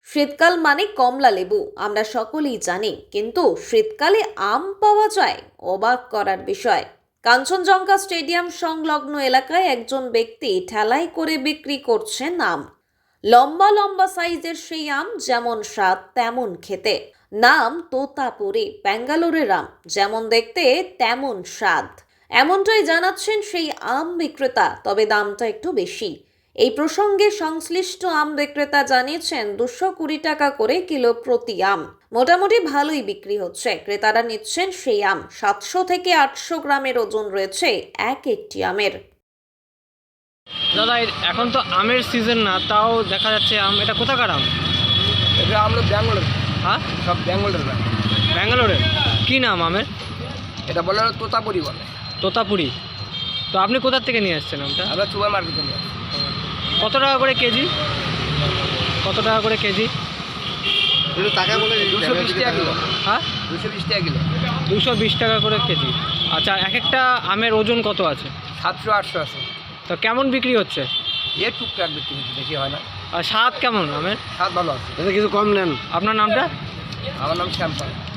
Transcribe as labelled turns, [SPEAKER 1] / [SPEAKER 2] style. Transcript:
[SPEAKER 1] শীতকাল মানে কমলা লেবু আমরা সকলেই জানি, কিন্তু শীতকালে আম পাওয়া যায়, অবাক করার বিষয়। কাঞ্চনজঙ্ঘা স্টেডিয়াম সংলগ্ন এলাকায় একজন ব্যক্তি ঠেলাই করে বিক্রি করছেন আম। লম্বা লম্বা সাইজের সেই আম, যেমন স্বাদ তেমন খেতে। নাম তোতাপুরি, ব্যাঙ্গালোরের আম, যেমন দেখতে তেমন স্বাদ। এমনটাই জানাচ্ছেন সেই আম বিক্রেতা, তবে দামটা একটু বেশি। এই প্রসঙ্গে সংশ্লিষ্ট আম বিক্রেতা জানিয়েছেন 220 টাকা করে কিলো প্রতি আম। মোটামুটি ভালোই বিক্রি হচ্ছে। ক্রেতারা নিচ্ছেন সেই আম। 700 থেকে 800 গ্রামের ওজন রয়েছে এক একটি আমের।
[SPEAKER 2] দাদা এখন তো আমের সিজন না, তাও দেখা যাচ্ছে আম। এটা কোথাকার আম?
[SPEAKER 3] এটা আমরা ব্যাঙ্গালোর,
[SPEAKER 2] হ্যাঁ,
[SPEAKER 3] সব ব্যাঙ্গালোরের ব্যাঙ্ক।
[SPEAKER 2] ব্যাঙ্গালোরের। কি নাম আমের?
[SPEAKER 3] এটা বলে তোতাপুরি বলে।
[SPEAKER 2] তোতাপুরি। তো আপনি কোথা থেকে নিয়ে আসছেন আমটা?
[SPEAKER 3] আমরা সুপার মার্কেটে নিয়ে আসি।
[SPEAKER 2] কত টাকা করে কেজি? কত টাকা করে কেজি?
[SPEAKER 3] একটু টাকা বলে 220 টাকা কিলো।
[SPEAKER 2] হ্যাঁ,
[SPEAKER 3] 220 টাকা কিলো।
[SPEAKER 2] 220 টাকা করে কেজি। আচ্ছা, এক একটা আমের ওজন কত আছে?
[SPEAKER 3] 700-800 আছে।
[SPEAKER 2] তো কেমন বিক্রি হচ্ছে?
[SPEAKER 3] টুকটাক বিক্রি হচ্ছে, বেশি হয় না।
[SPEAKER 2] আর স্বাদ কেমন আমের?
[SPEAKER 3] স্বাদ ভালো আছে।
[SPEAKER 2] কিছু কম নেন। আপনার নামটা?
[SPEAKER 3] আমার নাম শ্যামপাল।